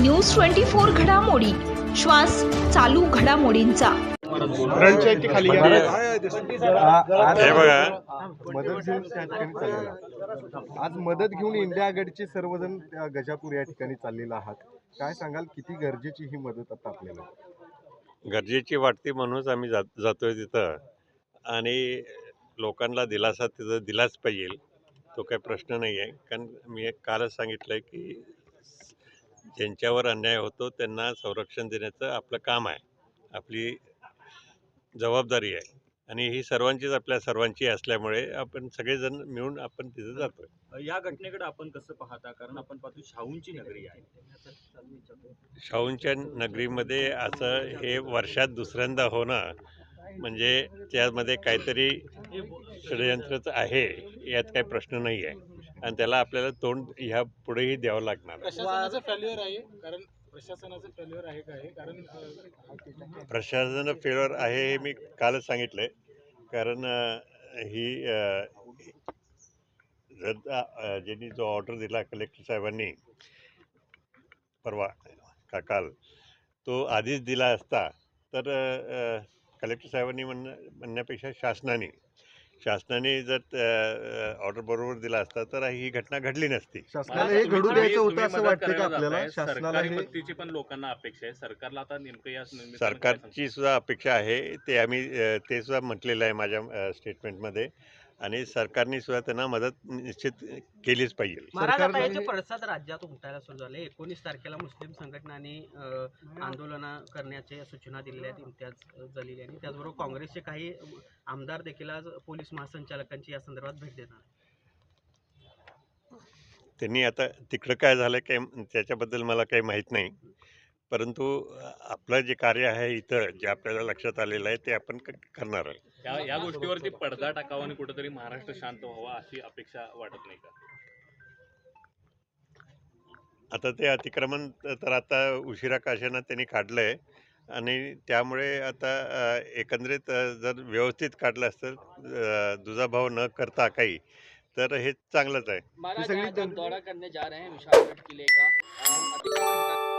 News 24 घडामोडी, श्वास चालू घडामोडींचा। रणच्या खाली हे बघा, मदत घेऊन त्या ठिकाणी चाललेला. आज मदत घेऊन इंडिया आघाडीचे सर्वजण त्या गजापूर या ठिकाणी चाललेला आहात. काय सांगाल, किती गरजेची ही मदत आता आपल्याला? गरजेची वाटते म्हणूनच आम्ही जातोय तिथं, आणि लोकांना दिलासा तिथं दिलाच पाहिजे, तो काही प्रश्न नाही आहे. कारण मी कालच सांगितलं की ज्यांच्यावर अन्याय होतो त्यांना संरक्षण देण्याचं आपलं काम आहे, आपली जबाबदारी आहे, आणि ही सर्वांचीच, आपल्या सर्वांची असल्यामुळे आपण सगळेजण मिळून आपण तिथं जातोय. या घटनेकडे आपण कसं पाहता? कारण आपण पाहतो शाहूंची नगरी आहे. शाहूंच्या नगरीमध्ये असं हे वर्षात दुसऱ्यांदा होणं म्हणजे त्यामध्ये काहीतरी षडयंत्रच आहे, यात काही प्रश्न नाही आहे, आणि त्याला आपल्याला तोंड ह्या पुढेही द्यावं लागणार. प्रशासनाचं फेल्युअर आहे, कारण प्रशासनाचं फेल्युअर आहे काय? कारण प्रशासन फेल्युअर आहे हे मी कालच सांगितलंय. कारण ही ज्यांनी जो ऑर्डर दिला कलेक्टर साहेबांनी परवा का काल, तो आधीच दिला असता तर कलेक्टर साहेबांनी म्हणण्यापेक्षा शासनाने जर ऑर्डर बरोबर दिला असता तर ही घटना घडली नसती. शासनाला हे घडू द्यायचं होतं असं वाटतं का आपल्याला? शासनाला सरकारी मदतीची पण लोकांना अपेक्षा आहे. सरकारला आता नेमकं या सरकारची सुद्धा अपेक्षा आहे, ते आम्ही ते सुद्धा म्हटलेलं आहे माझ्या स्टेटमेंटमध्ये, आणि सरकारने सुद्धा त्यांना मदत निश्चित केलीच पाहिजे. महाराज, आता याचे पडसाद राज्यात उमटायला सुरू झाले. 19 तारखेला मुस्लिम संघटनांनी आंदोलन करण्याच्या सूचना दिलेल्या आहेत इम्तियाज जलील यांनी. त्याचबरोबर काँग्रेसचे काही आमदार देखील आज पोलीस महासंचालकांची या संदर्भात भेट देणार. त्यांनी आता तिकडं काय झालं काय त्याच्याबद्दल मला काही माहीत नाही, परंतु आपलं जे कार्य आहे इथं, जे आपल्याला लक्षात आलेलं आहे ते आपण करणार आहे. या गोष्टीवरती पडदा टाकावा आणि कुठेतरी महाराष्ट्र शांत व्हावा अशी अपेक्षा वाटत नाही का? आता ते अतिक्रमण तर आता उशिरा काशानं त्यांनी काढलंय, आणि त्यामुळे आता एकंदरीत जर व्यवस्थित काढलं असतं, दुजाभाव न करता काही, तर हे चांगलंच आहे. महाराज, आज हम दौरा करने जा रहे हैं विशालगढ़ किले का।